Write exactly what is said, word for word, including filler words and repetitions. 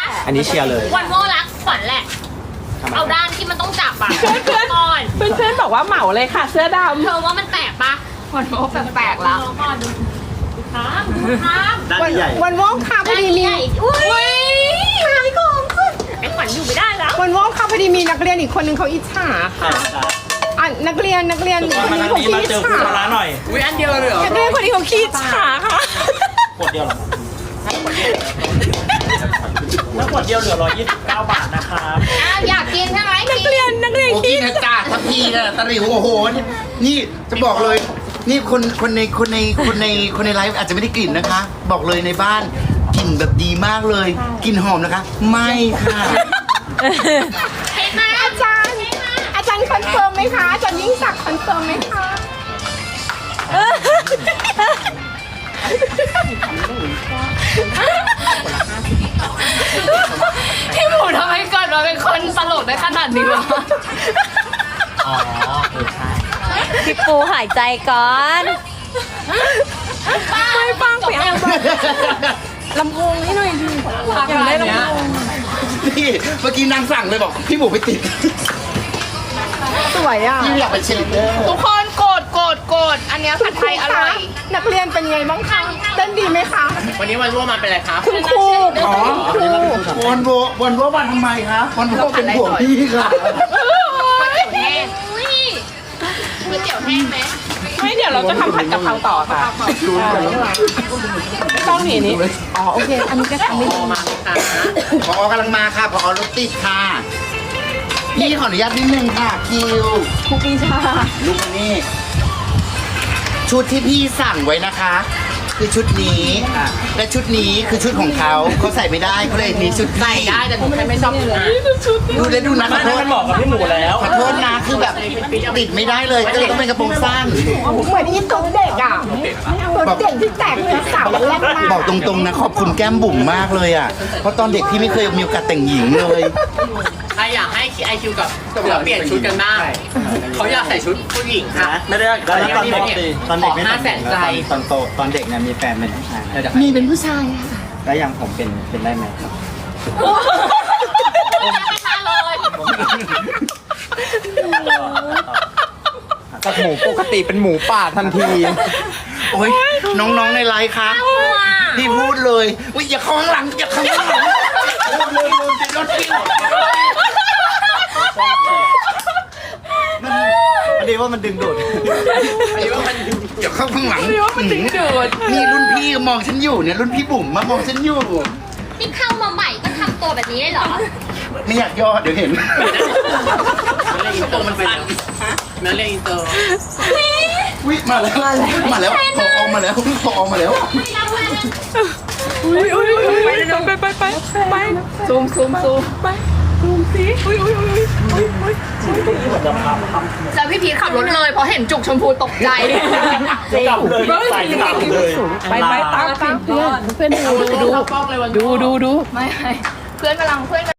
อันนี้เชียร์เลยวันโม่รักขวัญแหละเอาด้านที่มันต้องจับอะเพื่อนก่อนเพื่อนๆบอกว่าเหมาเลยค่ะ เสื้อดำเธอว่ามันแตกปะวันโม่แปลกๆละก่อนดูครับดูครับด้านใหญ่วันว่องค่ะพอดีมีอุ้ยขายของขึ้นไอ้ขวัญอยู่ไม่ได้แล้ววันว่องค่ะพอดีมีนักเรียนอีกคนนึงเขาอิจฉาค่ะอ่ะนักเรียนนักเรียนมาคนทานี้งเขานี้ขี้มาอิจเจอฉาคุณร้านหน่อยอุ้ยอันเดียวเลยเหรอนักเรียนคนนี้เขาขี้อิจฉาค่ะขวดเดียวเหรอแล้วขวดเดียวเหลือร้อยยี่สิบเก้าบาทนะครับอ้าวอยากกินใช่ไหมนักเรียนนักเรียนโอ้ขี้กินนะจ้าทัพพีนะตะหลิวโอ้โหนี่นี่จะบอกเลย นี่คนคนในคนในคนในคนในไลฟ์อาจจะไม่ได้กลิ่นนะคะ บอกเลยในบ้านกลิ่นแบบดีมากเลยกลิ่นหอมนะคะ ไม่ค่ะเห็นไหมอาจารย์อาจารย์คอนเฟิร์มไหมคะอาจารย์ยิ่งศักดิ์คอนเฟิร์มไหมคะพี่หมูทำไมเกิดมาเป็นคนตลกได้ขนาดนี้วะอ๋อเออใช่พี่ปูหายใจก่อนไม่ฟังไปเอาลำโพงให้หน่อยดิอยากได้ลำโพงนี่เมื่อกี้นางสั่งเลยบอกพี่หมูไปติดสวยอ่ะพี่อยากไปเช็ดเด้อทุกคนโกรธโกรธโกรธอันเนี้ยผัดไทยอร่อยนักเรียนเป็นไงบ้างคะเต้นดีไหมคะวันนี้วันร่วมมาเป็นอะไรครับคุณครูอ๋อครูวันโววันโววันทำไมคะวันโวเป็นห่วงพี่ค่ะก๋วยเตี๋ยวแห้งอุ้ยก๋วยเตี๋ยวแห้งไหมไม่เดี๋ยวเราจะทำผัดกะเพราต่อค่ะไม่ต้องหนีนี้อ๋อโอเค อันนี้ก็ทำไม่ดีพอกำลังมาค่ะพอรถติดค่ะพี่ขออนุญาตนิดนึงค่ะคิวครูปีชาลูกนี่ชุดที่พี่สั่งไว้นะคะ คือชุดนี้และชุดนี้คือชุดของเขาเขาใส่ไม่ได้เขาเลยมีชุดใส่ได้แต่ผมแค่ไม่ชอบดูและดูนะขอมันโทษมันเหมาะกับพี่หมูแล้วขอโทษนะคือแบบติดไม่ได้เลยก็เลยต้องเป็นกระโปรงสั้นเหมือนอีตุ๊ดเด็กอ่ะตุ๊ดเด็กที่แตกเป็นเสาแรกมาบอกตรงๆนะขอบคุณแก้มบุ๋มมากเลยอ่ะเพราะตอนเด็กพี่ไม่เคยมีโอกาสแต่งหญิงเลยใครอยากให้ไอคิวกับเสือเปลี่ยนชุดกันบ้างเขาอยากใส่ชุดผู้หญิงค่ะไม่ได้แล้วตอนเด็กตอนเด็กไม่ขอห้าแสนใจตอนโตตอนเด็กเนี่ยมีแฟนเป็นผู้ชายมีเป็นผู้ชายอะแล้วอย่างผมเป็นเป็นได้ไหมครับจากหมูปกติเป็นหมูป่าทันทีโอ้ยน้องๆในไลฟ์คะพี่พูดเลยอุ้ยอย่าเข้าข้างหลังอย่าเข้าข้างหลังลืมลืมติดรถพี่มันพอดีว่ามันดึงดูดอย่าเข้าข้างหลังนี่รุ่นพี่มองฉันอยู่เนี่ยรุ่นพี่บุ๋มมามองฉันอยู่นี่เข้ามาใหม่ก็ทำตัวแบบนี้เลยเหรอไม่อยากย่อเดี๋ยวเห็นตัวมันสั้นนั่นเรียกอินเตอร์วิมาแล้วมาแล้วพอออกมาแล้วพอออกมาแล้วอุ้ยอุ้ยอุ้ยไปไปไปไปซูมซูมซูมไปซูมสิอุ้ยอุ้ยอุ้ยอุ้ยอุ้ยแล้วพี่พีทขับรถเลยเพราะเห็นจุกชมพูตกใจกลับเลยใส่กลับเลยไปไปตามตามเพื่อนเพื่อนดูดูดูดูดูไม่ไม่เพื่อนกำลังเพื่อน